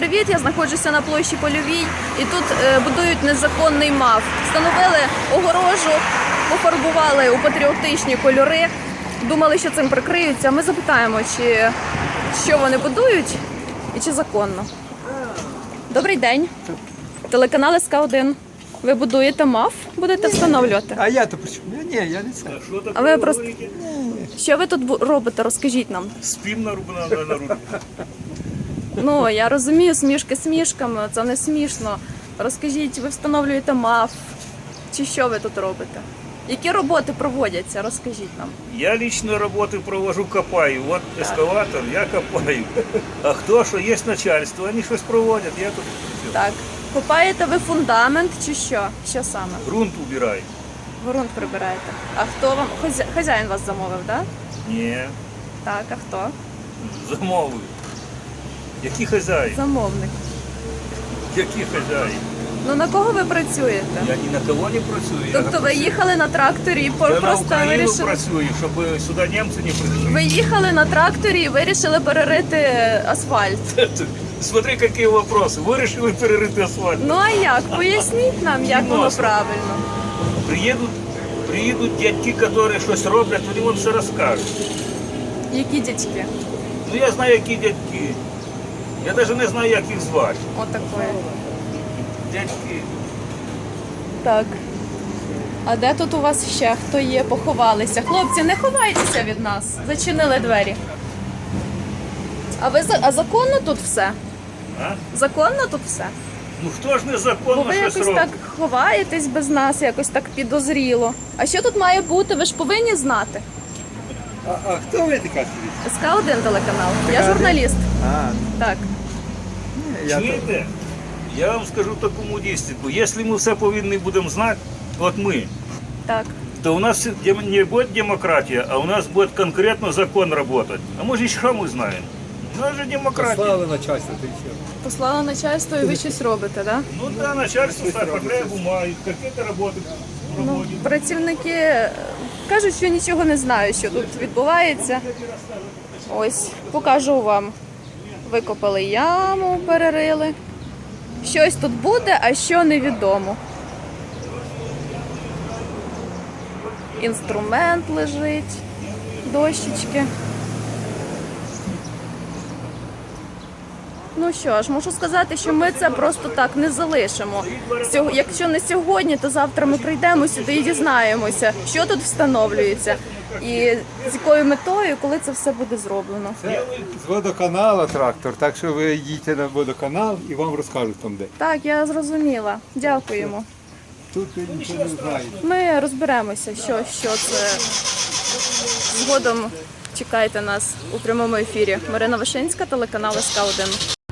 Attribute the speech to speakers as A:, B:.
A: привіт! Я знаходжуся на площі Польовій і тут будують незаконний МАФ. Встановили огорожу, пофарбували у патріотичні кольори. Думали, що цим прикриються. Ми запитаємо, що вони будують і чи законно. Добрий день. Телеканал СК1. Ви будуєте МАФ? Будете встановлювати?
B: А я то при чому? Ні, я не знаю.
A: А ви просто... Що ви тут робите? Розкажіть нам.
C: Спим на руку.
A: Ну, я розумію, смішки смішками, це не смішно. Розкажіть, ви встановлюєте МАФ, чи що ви тут робите? Які роботи проводяться? Розкажіть нам.
C: Я лично работы провожу, копаю. Вот эскаватор, я копаю. А хто, що є начальство, вони щось проводять, я тут
A: Так. Копаєте ви фундамент чи що? Що саме?
C: грунт убираю.
A: Ґрунт прибираєте. А хто вам? Хазяїн вас замовив, так?
C: Ні,
A: Так, а хто?
C: замовую. Які хазяї?
A: Замовник.
C: Які хазяї?
A: Ну на кого ви працюєте?
C: Я ні на кого не працюю.
A: Тобто ви їхали на тракторі і
C: Я на
A: просто
C: Україну
A: вирішили...
C: працюю, щоб сюди німці не прийшли.
A: Ви їхали на тракторі і вирішили перерити асфальт.
C: Смотри, які вопроси. Вирішили перерити асфальт.
A: Ну а як? Поясніть нам, як воно правильно.
C: Приїдуть дядьки, які щось роблять, вони вам все розкажуть.
A: Які дядьки?
C: Ну я знаю, які дядьки. Я навіть не знаю, як їх звати.
A: Отакої.
C: Дядьки.
A: Так. А де тут у вас ще хто є? Поховалися? Хлопці, не ховайтеся від нас. Зачинили двері. А законно тут все?
C: А?
A: Законно тут все?
C: Ну хто ж
A: Бо
C: незаконно
A: ви
C: щось
A: якось
C: робить?
A: так ховаєтесь без нас, якось так підозріло. А що тут має бути? Ви ж повинні знати.
B: А хто ви така скажіть?
A: СК1 телеканал. Я журналіст.
B: А,
A: Так.
B: ні, я то...
C: Чуєте? Я вам скажу таку мудістику. Якщо ми все повинні будемо знати, от ми,
A: Так.
C: то у нас не буде демократія, а у нас буде конкретно закон працювати. А може, що ми знаємо? У нас же демократія.
B: Послали начальство, ти все.
A: Послала начальство і ви щось робите, так?
C: Ну да, начальство оформляє бумаги, якісь роботи
A: Ну,
C: проводять.
A: працівники кажуть, що нічого не знають, що тут відбувається. Ось, покажу вам. Викопали яму, перерили. Щось тут буде, а що невідомо. Інструмент лежить, дощечки. Ну що ж, можу сказати, що ми це просто так не залишимо. Якщо не сьогодні, то завтра ми прийдемо сюди і дізнаємося, що тут встановлюється і з якою метою, коли це все буде зроблено.
B: Це з водоканалу трактор, так що ви їдьте на водоканал і вам розкажуть там де.
A: Так, я зрозуміла. Дякуємо.
B: Тут ви нічого не знаєте.
A: Ми розберемося, що це. Згодом чекайте нас у прямому ефірі. Марина Вишинська, телеканал СК1.